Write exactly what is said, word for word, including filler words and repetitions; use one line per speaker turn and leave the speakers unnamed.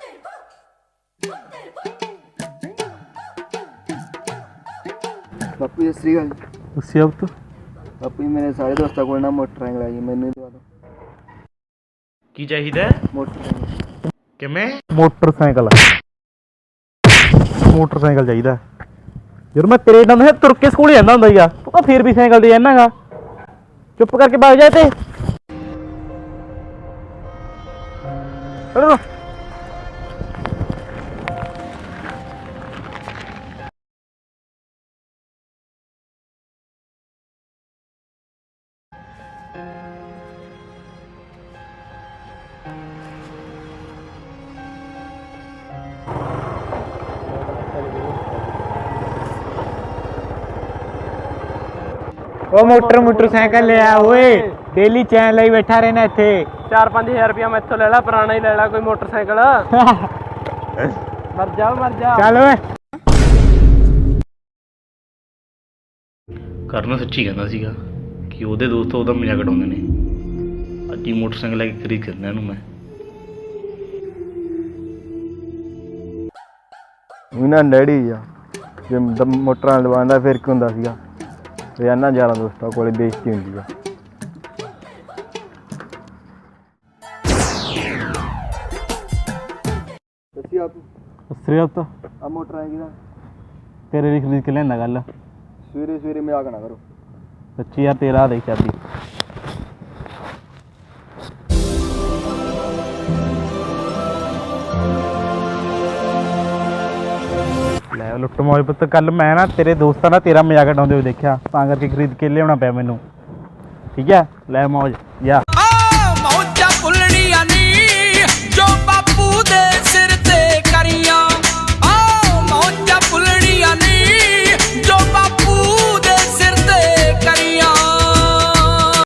ਬਾਪੂ ਜੀ ਸਤਿ ਸ਼੍ਰੀ ਅਕਾਲ।
ਤੁਸੀਂ ਆਪ ਤੋਂ
ਬਾਪੂ ਜੀ ਮੇਰੇ ਸਾਰੇ ਦੋਸਤਾਂ ਕੋਲ ਨਾ ਮੋਟਰਸਾਈਕਲ ਆ ਜੀ, ਮੈਨੂੰ ਹੀ ਦਵਾ ਦਿਓ
ਕੀ ਚਾਹੀਦਾ?
ਮੋਟਰਸਾਈਕਲ।
ਕਿਵੇਂ?
ਮੋਟਰਸਾਈਕਲ ਮੋਟਰਸਾਈਕਲ ਚਾਹੀਦਾ। ਜਦੋਂ ਮੈਂ ਤੇਰੇ ਨਾਲ ਹੈ ਤੁਰ ਕੇ ਸਕੂਲ ਜਾਂਦਾ ਹੁੰਦਾ ਸੀਗਾ, ਤੂੰ ਤਾਂ ਫੇਰ ਵੀ ਸਾਈਕਲ ਤੇ ਜਾਣਾ ਗਾ। ਚੁੱਪ ਕਰਕੇ ਵਗ ਜਾ ਤੇ
ਉਹ ਮੋਟਰ ਮੋਟਰਸਾਈਕਲ ਲਿਆ ਓਏ, ਡੇਲੀ ਚੈਨ ਲਈ ਬੈਠਾ ਰਹਿਣਾ ਇੱਥੇ।
ਚਾਰ ਪੰਜ ਹਜ਼ਾਰ ਰੁਪਇਆ ਮੈਥੋਂ ਲੈ ਲਾ, ਪੁਰਾਣਾ ਹੀ ਲੈ ਲਾ ਕੋਈ ਮੋਟਰਸਾਈਕਲ। ਮਰ ਜਾ ਮਰ ਜਾ
ਚੱਲ ਓਏ।
ਕਰਨ ਸੱਚੀ ਕਹਿੰਦਾ ਸੀਗਾ ਕਿ ਉਹਦੇ ਦੋਸਤ ਉਹਦਾ ਮਜ਼ਾਕ ਉਡਾਉਂਦੇ ਨੇ। ਅੱਜ ਹੀ ਮੋਟਰਸਾਈਕਲ ਲੈ ਕੇ ਖਰੀਦ ਕਰਨਾ ਇਹਨੂੰ ਮੈਂ।
ਉਹਨਾਂ ਡੈਡੀ ਆ ਜੇ ਮੋਟਰਾਂ ਲਵਾਉਂਦਾ ਫਿਰ ਕੀ ਹੁੰਦਾ ਸੀਗਾ। ਰੋਜ਼ਾਨਾ ਯਾਰਾਂ ਦੋਸਤਾਂ ਕੋਲ ਬੇਇੱਜ਼ਤੀ ਹੁੰਦੀ ਆ। ਤੁਸੀਂ ਆਪ
ਸ੍ਰੀਅਤ
ਆ ਮੋਟਰ ਆਏਗੀ ਨਾ
ਤੇਰੇ ਲਈ ਖਰੀਦ ਕੇ ਲਿਆਂਦਾ ਗੱਲ।
ਸਵੇਰੇ ਸਵੇਰੇ ਮਜ਼ਾਕ ਨਾ ਕਰੋ।
ਸੱਚੀ ਯਾਰ ਤੇਰਾ ਦੇਖ ਚਾਬੀ। ਲੈ ਲੁੱਟ ਮੋਜ ਪੁੱਤ, ਕੱਲ ਮੈਂ ਨਾ ਤੇਰੇ ਦੋਸਤਾਂ ਨਾਲ ਤੇਰਾ ਮਜ਼ਾਕ ਉਡਾਉਂਦੇ ਹੋਏ ਦੇਖਿਆ, ਤਾਂ ਕਰਕੇ ਖਰੀਦ ਕੇ ਲਿਆਉਣਾ ਪਿਆ ਮੈਨੂੰ। ਠੀਕ ਹੈ ਲੈ ਮੌਜ ਜਾ।